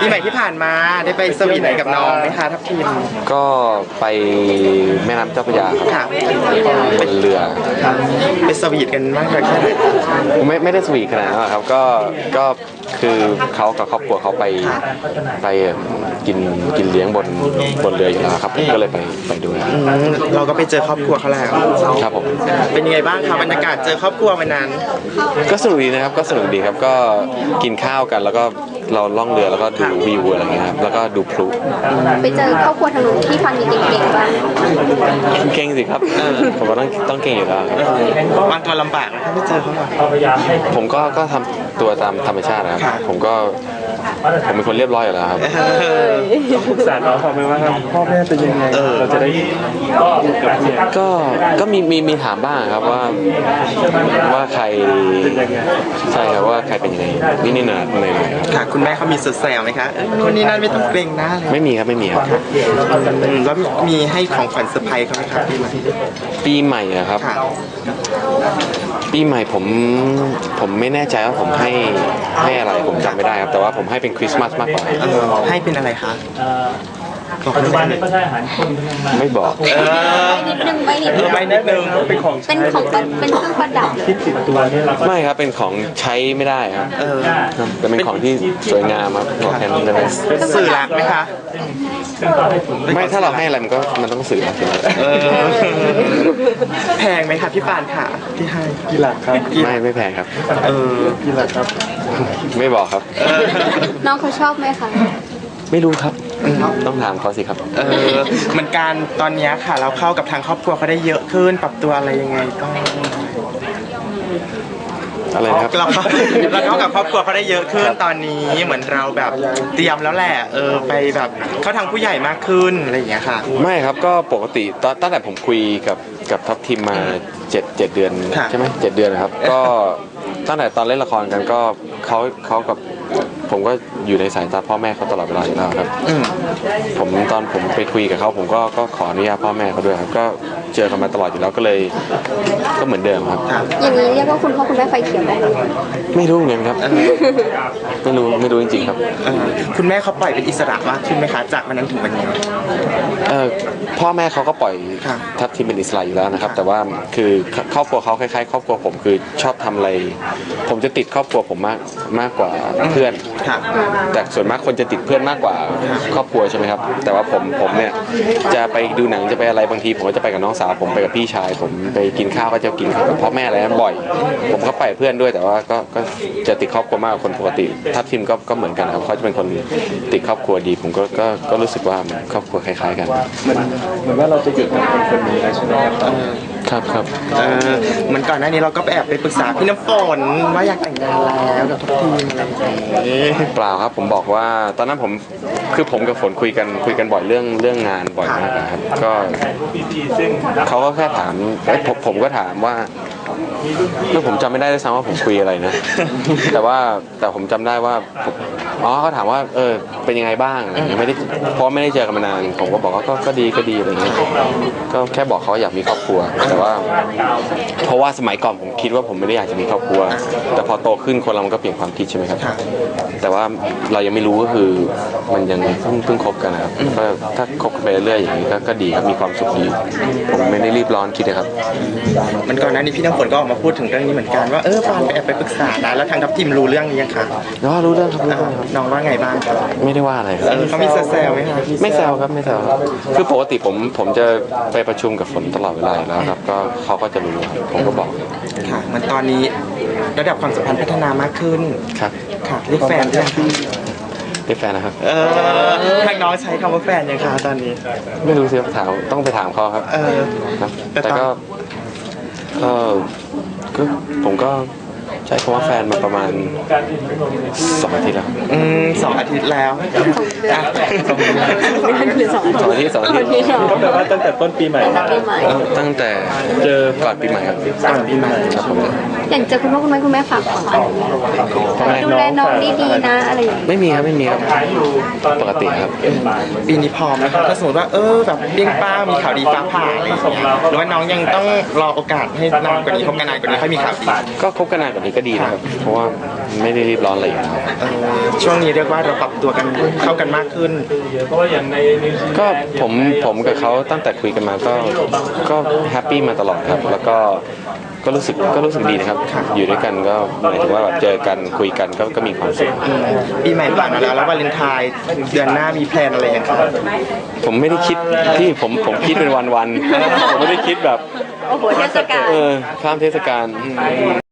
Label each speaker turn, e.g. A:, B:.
A: ปีใหม่ที่ผ่านมาได้ไปสวีทไหนกับน้องไหมคะทัพทีม
B: ก็ไปแม่น้ำเจ้าพระยาครับเป็นเรือ
A: ไปสวีทกันมากเลยแค่ไหน
B: ไม่ได้สวีทขนาดนั้นครับก็คือเขากับครอบครัวเขาไปกินเลี้ยงบนเรืออยู่แล้วครับก็เลยไปด้วย
A: เราก็ไปเจอครอบครัวเขาแล้ว
B: ครับผม
A: เป็นยังไงบ้างครับบรรยากาศเจอครอบครัววันนั้น
B: ก็สนุกดีนะครับก็สนุกดีครับก็กินข้าวกันแล้วก็เราล่องเรือแล้วก็ดูวิวอะไรเงี้ยครับแล้วก็ดูพลุ
C: ไปเจอครอบครัวทางนู้นที่ฟังมีเก่งๆบ้าง
B: เก่งสิครับผมก็ต้องเก่งอยู่แล้ว
A: วางตัวลำบากถ้าไม่เจอเขา
B: ผมก็ทำตัวตามธรรมชาตินะครับผมเป็นคนเรียบร้อยอยู่แล้วครับ
D: ปรึกษาน้องเขาไหมว่าพ่อแม่เป็นยังไงเราจะได้
B: ก็มีถามบ้างครับว่าใครใช่ครับว่าใครเป็นยังไงนี่หน่อย
A: ค่ะคุณแม่เขามีสุดแซวไหมคะคนนี้นั่นไม่ต้องเกรงนะ
B: ไม่มีครับ
A: แล้วมีให้ของขวัญเซอร์ไพรส์เขาไหมครับ
B: ปีใหม่ครับปีใหม่ผมไม่แน่ใจว่าผมให้อะไรผมจำไม่ได้ครับแต่ว่าผมให้เป็นคริสต์มาสมากกว่า
A: ให้เป็นอะไรคะ
D: ปัจจุบันนี้ก็ใช่อาหารคน
B: ไม่บอก
C: ไม่นิดนึง
D: เป็นของ
C: เป็นเครื่องประดับ
D: ที่ติดตัวนี่
B: ไม่ครับเป็นของใช้ไม่ได้ครับแต่เป็นของที่สวยงามครับบอกแทนได้ไหม
A: สื่อรักไหมคะ
B: ไม่ถ้าเราให้อะไรมันต้องสื่อรัก
A: แพงไหมคะพี่ปานค่ะที่ให้
D: กี่หลักครับ
B: ไม่แพงครับ
D: กี่หลักครับ
B: ไม่บอกครับ
C: น้องเขาชอบไหมคะ
B: ไม่รู้ครับต้องถามเขาสิครับ
A: เหมือนกันตอนนี้ค่ะเราเข้ากับทางครอบครัวเขาได้เยอะขึ้นปรับตัวอะไรยังไงต้อง
B: อะไรครับ
A: เราเข้ากับครอบครัวเขาได้เยอะขึ้นตอนนี้เหมือนเราแบบเตรียมแล้วแหละไปแบบเข้าทางผู้ใหญ่มากขึ้นอะไรอย่างเงี้ยค่ะ
B: ไม่ครับก็ปกติตั้งแต่ผมคุยกับทัพทีมมา7เดือนใช่ไหม7 เดือนนะครับก็ตั้งแต่ตอนเล่นละครกันก็เขากับผมก็อยู่ในสายตาพ่อแม่เขาตลอดเวลาอยู่แล้วครับตอนผมไปคุยกับเขาผมก็ขออนุญาตพ่อแม่เขาด้วยครับก็เจอกันมาตลอดอยู่แล้วก็เลยก็เหมือนเดิมครับ
C: อย่างนี้เรียกว่าคุณพ่อคุณแม่ไฟเขียวได้ไหม
B: ไม่รู้เหมือนกันครับไม่รู้จริงๆครับ
A: คุณแม่เขาปล่อยเป็นอิสระมากขึ้นไหมคะจากวันนั้นถึงวันนี้
B: พ่อแม่เขาก็ปล่อยทัพทีมเป็นอิสระอยู่แล้วนะครับแต่ว่าคือครอบครัวเขาคล้ายๆครอบครัวผมคือชอบทำอะไรผมจะติดครอบครัวผมมากกว่าเพื่อนแต่ส่วนมากคนจะติดเพื่อนมากกว่าครอบครัวใช่ไหมครับแต่ว่าผมเนี่ยจะไปดูหนังจะไปอะไรบางทีผมก็จะไปกับน้องสาวผมไปกับพี่ชายผมไปกินข้าวก็จะกินกับพ่อแม่อะไรนั้นบ่อยผมก็ไปเพื่อนด้วยแต่ว่าก็จะติดครอบครัวมากกว่าคนปกติทัพทีมก็เหมือนกันครับเขาจะเป็นคนติดครอบครัวดีผมก็รู้สึกว่าครอบครัวคล้ายๆกัน
D: เหมือนว่าเราจะหยุดกับคนนี้ใช่ไหม
B: ครับ
A: เหมือนก่อนหน้านี้เราก็แอบไปปรึกษาพี่น้ำฝนว่าอยากแต่งงานแล้วกับทัพทีม
B: เปล่าครับผมบอกว่าตอนนั้นผมกับฝนคุยกันบ่อยเรื่องงานบ่อยมากครับก็เขาก็แค่ถามผมก็ถามว่าผมจำไม่ได้ด้วยซ้ำว่าผมคุยอะไรนะแต่ผมจำได้ว่าเขาถามว่าเป็นยังไงบ้างเพราะไม่ได้เจอกันมานานผมก็บอกว่าก็ดีอะไรเงี้ยก็แค่บอกเขาอยากมีครอบครัวแต่ว่าเพราะว่าสมัยก่อนผมคิดว่าผมไม่ได้อยากจะมีครอบครัวแต่พอโตขึ้นคนเรามันก็เปลี่ยนความคิดใช่ไหมครับแต่ว่าเรายังไม่รู้ก็คือมันยังเพิ่งคบกันนะครับก็ถ้าคบกันไปเรื่อยๆอย่างนี้ก็ดีครับมีความสุขดีผมไม่ได้รีบร้อนคิดนะครับ
A: มันก่อนหน้านี้พี่น้ำฝนก็ออกมาพูดถึงเรื่องนี้เหมือนกันว่าปานไปปรึกษานะแล้วทางทัพทีมรู้เรื่องนี้ยังคะ
B: รู้เรื่องครับ
A: น้องว่าไงบ้าง
B: ไม่ได้ว่าอะไร
A: เขามีแซวไหมคะ
B: ไม่แซวครับไม่แซวคือปกติผมจะไปประชุมกับฝนตลอดเวลาแล้วครับก็เขาก็จะรู้ผมก็บอก
A: ค่ะมันตอนนี้ระดับความสัมพันธ์พัฒนามากขึ้น
B: ครับ
A: ค่ะเรียกแฟนยัง
B: เรียกแฟนนะครับ
A: ทางน้องใช้คำว่าแฟนยังคะตอนนี้
B: ไม่รู้สิต้องไปถามเขาครับแต่ก็ผมก็ใช้คำว่าแฟนมาประมาณ2 อาทิตย์แล้ว
A: 2 อาทิตย์แล้ว
B: 2 อาทิตย์
D: ก็แปลว่าตั้งแต่ต้นปีใหม่
B: ตั้งแต่เจอก่อนปีใหม่ครับ
A: ก่อนปีใหม่
B: ครับผม
C: อย่างเจอคุณพ่อคุณแม่ฝากของดูแลน้องดีๆนะอะไรอย่างนี้
B: ไม่มีครับปกติครับ
A: ปีนี้พร้อมนะครับถ้าสมมติว่าแบบเบี้ยงป้ามีข่าวดีฟ้าผ่าอะไรอย่างเงี้ยหรือว่าน้องยังต้องรอโอกาสให้นานกว่านี้คบกันนานกว่านี้ค่อยมีข่าวดี
B: ก็คบกันนานกว่านี้อยก็ดีนะครับ เพราะว่าไม่ได้รีบร้อนอะไรอยู่แล้ว
A: ช่วงนี้เรียกว่าเราปรับตัวกันเข้ากันมากขึ้น
B: ก็ผมกับเขาตั้งแต่คุยกันมาก็แฮปปี้มาตลอดครับ แล้วก็รู้สึกดีนะครับ อยู่ด้วยกันก็หมายถึงว่าแบบเจอกันคุยกันก็มีความสุข
A: ปีใหม่ผ่านมาแล้ววาเลนไทน์เดือนหน้ามีแพลนอะไรยังครับ
B: ผมไม่ได้คิดที่ผมคิดเป็นวันๆผมไม่ได้คิดแบบ
C: โอ้โหเทศกาล
B: ข้ามเทศกาล